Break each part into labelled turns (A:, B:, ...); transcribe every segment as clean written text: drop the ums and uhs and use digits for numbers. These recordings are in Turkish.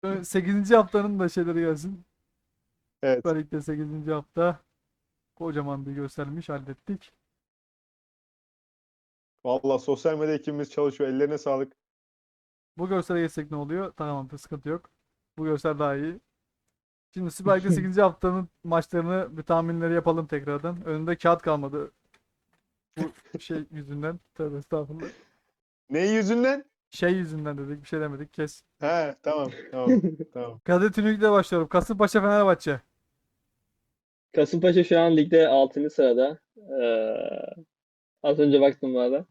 A: 8. haftanın da şeyleri gelsin.
B: Evet.
A: Süper Lig'de 8. hafta kocaman bir göstermiş hallettik.
B: Vallahi sosyal medya ekibimiz çalışıyor. Ellerine sağlık.
A: Bu görsele geçsek ne oluyor? Tamam, sıkıntı yok. Bu görsel daha iyi. Şimdi Süper Lig'de 8. haftanın maçlarını bir tahminleri yapalım tekrardan. Önünde kağıt kalmadı bu şey yüzünden. Tövbe estağfurullah.
B: Ne yüzünden?
A: Şey yüzünden dedik, bir şey demedik, kes.
B: He, tamam, tamam, tamam.
A: Kadir Tünük'le başlıyorum. Kasımpaşa Fenerbahçe.
C: Kasımpaşa şu an ligde 6. sırada. Az önce baktım bu arada.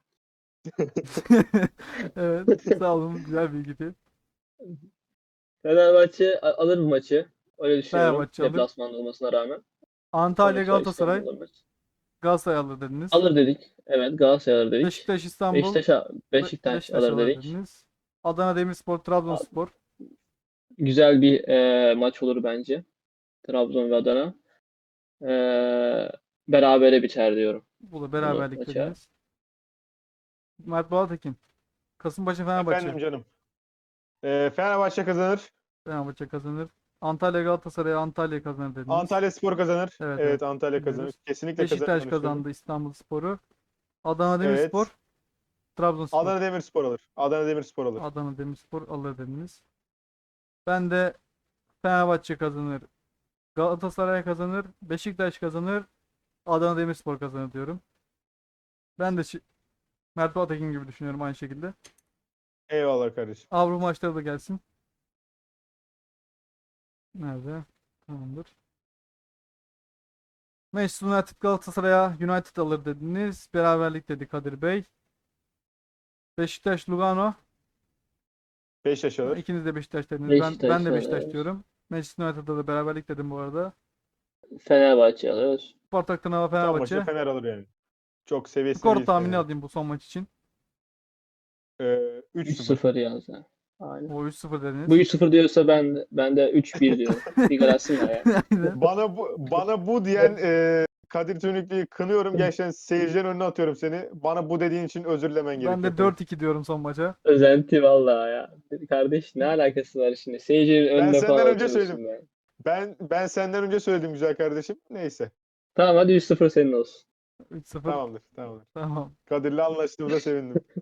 A: Evet, sağ olun, güzel bilgiydi.
C: Fenerbahçe alır bu maçı. Öyle düşünüyorum.
A: Fenerbahçe alır.
C: Deplasmanda olmasına rağmen.
A: Antalya
C: Sonuçta
A: Galatasaray.
C: İstanbul'da maç.
A: Galatasaray alır dediniz.
C: Alır dedik. Evet, Galatasaray alır dedik.
A: Beşiktaş İstanbul.
C: Beşiktaş, Beşiktaş
A: Beşiktaş
C: alır
A: alır
C: dedik.
A: dediniz. Adana Demirspor Trabzonspor.
C: Güzel bir maç olur bence. Trabzon ve Adana. E, Berabere biter diyorum
A: Bu da
C: bunu
A: beraberlik
C: maça.
A: dediniz. Mert Balatekin. Kasımpaşa Fenerbahçe.
B: Efendim canım. Fenerbahçe kazanır.
A: Fenerbahçe kazanır. Antalya Galatasaray Antalya kazanır dediniz.
B: Antalyaspor kazanır.
A: Evet, evet,
B: Evet, Antalya kazanır.
A: biliyoruz.
B: Kesinlikle
A: Beşiktaş
B: kazanır düşünüyorum.
A: kazandı İstanbulspor'u. Adana
B: Evet.
A: Demirspor Trabzonspor.
B: Adana Demirspor alır. Adana Demirspor alır.
A: Adana Demirspor alır dediniz. Ben de Fenerbahçe kazanır. Galatasaray kazanır. Beşiktaş kazanır. Adana Demirspor kazanır diyorum. Ben de Mert Balatekin gibi düşünüyorum aynı şekilde.
B: Eyvallah kardeşim.
A: Avrupa maçları da gelsin. Nerede? Tamamdır. Manchester United Galatasaray'a United alır dediniz. Beraberlik dedi Kadir Bey. Beşiktaş Lugano.
B: Beşiktaş alır.
A: İkiniz de Beşiktaş dediniz. Ben
C: Beşiktaş
A: de Beşiktaş
C: alır.
A: diyorum. Manchester United'da da beraberlik dedim bu arada.
C: Fenerbahçe alır.
A: Spartak Trnava
B: Son maçta
A: Fenerbahçe.
B: Fener alır yani. Çok seviyesinde
A: Skor
B: değil
A: tahmini
B: Fener'in.
A: alayım bu son maç için.
B: 3-0.
C: 3-0 yazdı. Aynen.
A: O 3-0
C: Bu
A: dediniz.
C: 3-0 diyorsa ben de 3-1 diyorum. Bir gol atsın da ya.
A: Aynen.
B: Bana bu diyen Kadir Tünüklü'yü kınıyorum. Gerçekten seyircilerin önüne atıyorum seni. Bana bu dediğin için özür dilemen
A: Ben de
B: gerekiyor Kadir.
A: 4-2 diyorum son maça.
C: Özenti vallahi ya. Kardeş ne alakası var şimdi? Seyircinin
B: Ben
C: önüne
B: senden
C: falan
B: önce söyledim.
C: atıyorsun ben.
B: Ben senden önce söyledim güzel kardeşim. Neyse.
C: Tamam hadi 3-0 senin olsun.
A: 3-0.
B: Tamamdır. Tamamdır.
A: Tamam.
B: Kadir'le anlaştığımıza sevindim.